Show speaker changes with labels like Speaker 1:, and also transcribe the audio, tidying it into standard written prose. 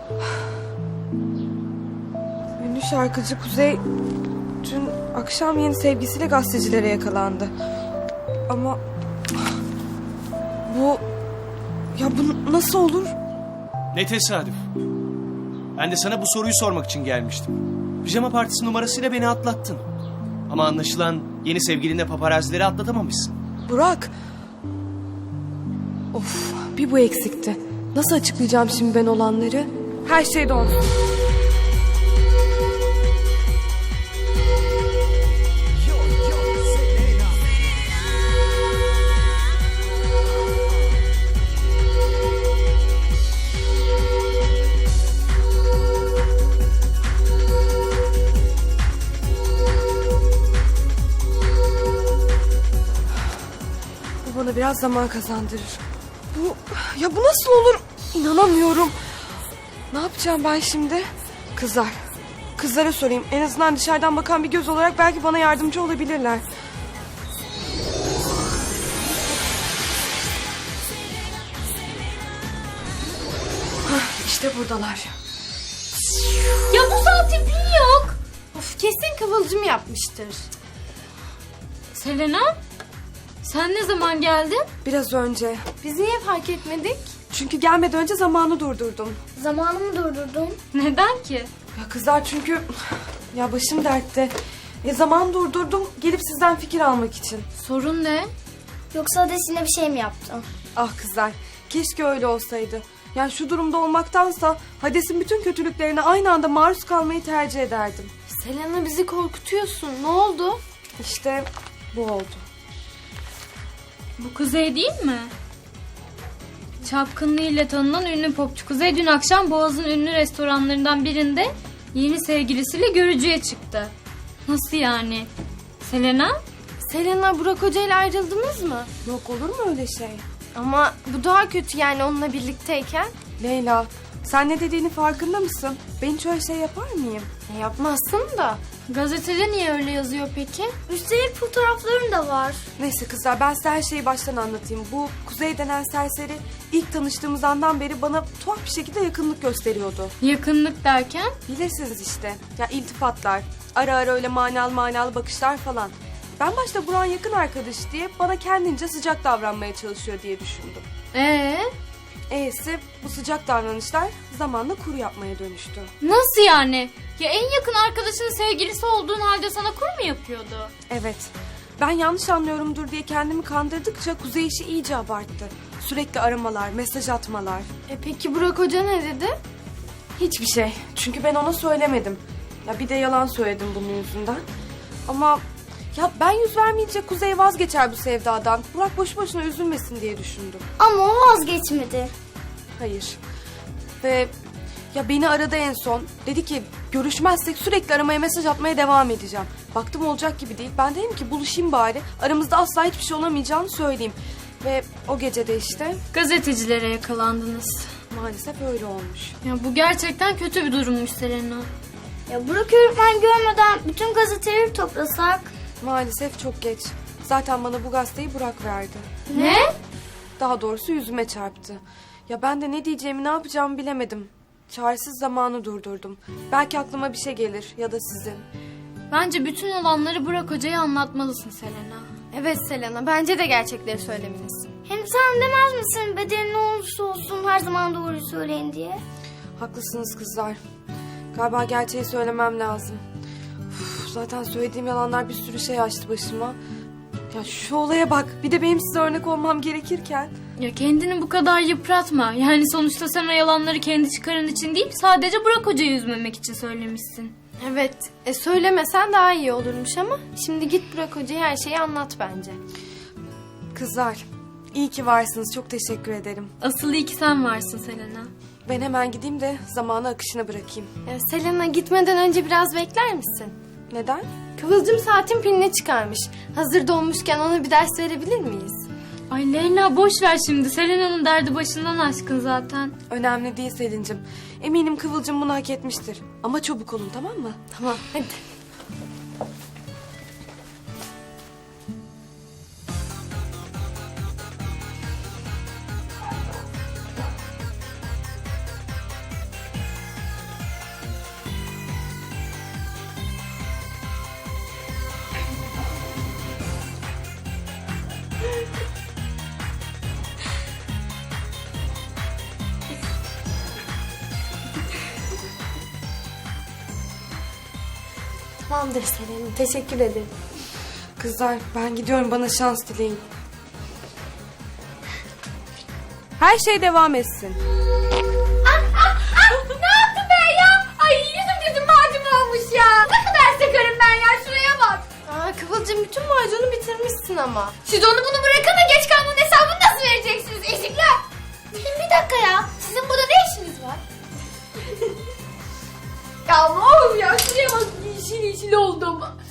Speaker 1: Ünlü şarkıcı Kuzey dün akşam yeni sevgisiyle gazetecilere yakalandı. Ama bu nasıl olur?
Speaker 2: Ne tesadüf. Ben de sana bu soruyu sormak için gelmiştim. Pijama partisi numarasıyla beni atlattın. Ama anlaşılan yeni sevgilinle paparazileri atlatamamışsın.
Speaker 1: Burak. Of, bir bu eksikti. Nasıl açıklayacağım şimdi ben olanları? Her şey dondu. Bu bana biraz zaman kazandırır. Bu nasıl olur? İnanamıyorum. Ne yapacağım ben şimdi? Kızlara sorayım. En azından dışarıdan bakan bir göz olarak belki bana yardımcı olabilirler. İşte buradalar.
Speaker 3: Ya bu saatte pil yok. Of, kesin Kıvılcım yapmıştır. Selena, sen ne zaman geldin?
Speaker 1: Biraz önce.
Speaker 3: Biz niye fark etmedik?
Speaker 1: Çünkü gelmeden önce zamanı durdurdum.
Speaker 4: Zamanı mı durdurdun?
Speaker 3: Neden ki?
Speaker 1: Ya kızlar çünkü... Ya başım dertte. Zaman durdurdum gelip sizden fikir almak için.
Speaker 3: Sorun ne?
Speaker 4: Yoksa Hades yine bir şey mi yaptın?
Speaker 1: Ah kızlar, keşke öyle olsaydı. Yani şu durumda olmaktansa Hades'in bütün kötülüklerine aynı anda maruz kalmayı tercih ederdim.
Speaker 3: Selena, bizi korkutuyorsun. Ne oldu?
Speaker 1: İşte bu oldu.
Speaker 3: Bu Kuzey değil mi? Çapkınlığıyla tanınan ünlü popçu Kuzey dün akşam Boğaz'ın ünlü restoranlarından birinde yeni sevgilisiyle görücüye çıktı. Nasıl yani? Selena? Selena, Burak Hoca ile ayrıldınız mı?
Speaker 1: Yok, olur mu öyle şey?
Speaker 3: Ama bu daha kötü, yani onunla birlikteyken.
Speaker 1: Leyla, sen ne dediğini farkında mısın? Ben hiç öyle şey yapar mıyım?
Speaker 3: Yapmazsın da. Gazetede niye öyle yazıyor peki?
Speaker 4: Üstelik fotoğrafların da var.
Speaker 1: Neyse kızlar, ben size her şeyi baştan anlatayım. Bu Kuzey denen serseri ilk tanıştığımız andan beri bana tuhaf bir şekilde yakınlık gösteriyordu.
Speaker 3: Yakınlık derken?
Speaker 1: Bilirsiniz işte. Ya iltifatlar, ara ara öyle manalı bakışlar falan. Ben başta Burak'ın yakın arkadaş diye bana kendince sıcak davranmaya çalışıyor diye düşündüm. Bu sıcak davranışlar zamanla kuru yapmaya dönüştü.
Speaker 3: Nasıl yani? Ya en yakın arkadaşının sevgilisi olduğun halde sana kur mu yapıyordu?
Speaker 1: Evet. Ben yanlış anlıyorumdur diye kendimi kandırdıkça Kuzey işi iyice abarttı. Sürekli aramalar, mesaj atmalar.
Speaker 3: Peki Burak Hoca ne dedi?
Speaker 1: Hiçbir şey. Çünkü ben ona söylemedim. Ya bir de yalan söyledim bunun yüzünden. Ama ya ben yüz vermeyince Kuzey vazgeçer bu sevdadan. Burak boşu boşuna üzülmesin diye düşündüm.
Speaker 4: Ama o vazgeçmedi.
Speaker 1: Hayır. Ve ya beni aradı en son. Dedi ki görüşmezsek sürekli aramaya, mesaj atmaya devam edeceğim. Baktım olacak gibi değil. Ben dedim ki buluşayım bari. Aramızda asla hiçbir şey olamayacağını söyleyeyim. Ve o gece de işte
Speaker 3: Gazetecilere yakalandınız.
Speaker 1: maalesef öyle olmuş.
Speaker 3: Ya bu gerçekten kötü bir durummuş Selena.
Speaker 4: Ya Burak öğretmen görmeden bütün gazeteleri toplasak.
Speaker 1: Maalesef çok geç. Zaten bana bu gazeteyi Burak verdi.
Speaker 3: Ne?
Speaker 1: Daha doğrusu yüzüme çarptı. Ya ben de ne diyeceğimi, ne yapacağımı bilemedim. Çaresiz zamanı durdurdum. Belki aklıma bir şey gelir ya da sizin.
Speaker 3: Bence bütün olanları Burak Hoca'ya anlatmalısın Selena.
Speaker 5: Evet Selena, bence de gerçekleri söylemelisin.
Speaker 4: Hem sen demez misin bedeli ne olursa olsun her zaman doğruyu söyleyin diye?
Speaker 1: Haklısınız kızlar. Galiba gerçeği söylemem lazım. Zaten söylediğim yalanlar bir sürü şey açtı başıma. Ya şu olaya bak. Bir de benim size örnek olmam gerekirken.
Speaker 3: Ya kendini bu kadar yıpratma. Yani sonuçta sen o yalanları kendi çıkarın için değil, sadece Burak Hoca'yı üzmemek için söylemişsin.
Speaker 5: Evet, söylemesen daha iyi olurmuş ama şimdi git Burak Hoca'ya her şeyi anlat bence.
Speaker 1: Kızlar, iyi ki varsınız. Çok teşekkür ederim.
Speaker 3: Asıl iyi ki sen varsın Selena.
Speaker 1: Ben hemen gideyim de zamanı akışına bırakayım.
Speaker 5: Selena, gitmeden önce biraz bekler misin?
Speaker 1: Neden?
Speaker 5: Kıvılcım saatin pilini çıkarmış. Hazır dolmuşken ona bir ders verebilir miyiz?
Speaker 3: Ay Leyla, boş ver şimdi. Selena'nın derdi başından aşkın zaten.
Speaker 1: Önemli değil Selin'cim. Eminim Kıvılcım bunu hak etmiştir. Ama çabuk olun, tamam mı?
Speaker 5: Tamam, hadi. Tamamdır Selena. Teşekkür ederim.
Speaker 1: Kızlar ben gidiyorum, bana şans dileyin. Her şey devam etsin.
Speaker 4: Ne yaptın ben ya? Ay yüzüm gözüm macun olmuş ya. Ne kadar sakarım ben ya, şuraya bak.
Speaker 5: Aa, Kıvılcım bütün macunu bitirmişsin ama.
Speaker 4: Siz onu bunu bırakın da geç kalmanın hesabını nasıl vereceksiniz ezikler? Bir dakika ya, sizin burada ne işiniz var? Ya ne olur ya, şuraya bak, yeşil yeşil oldum.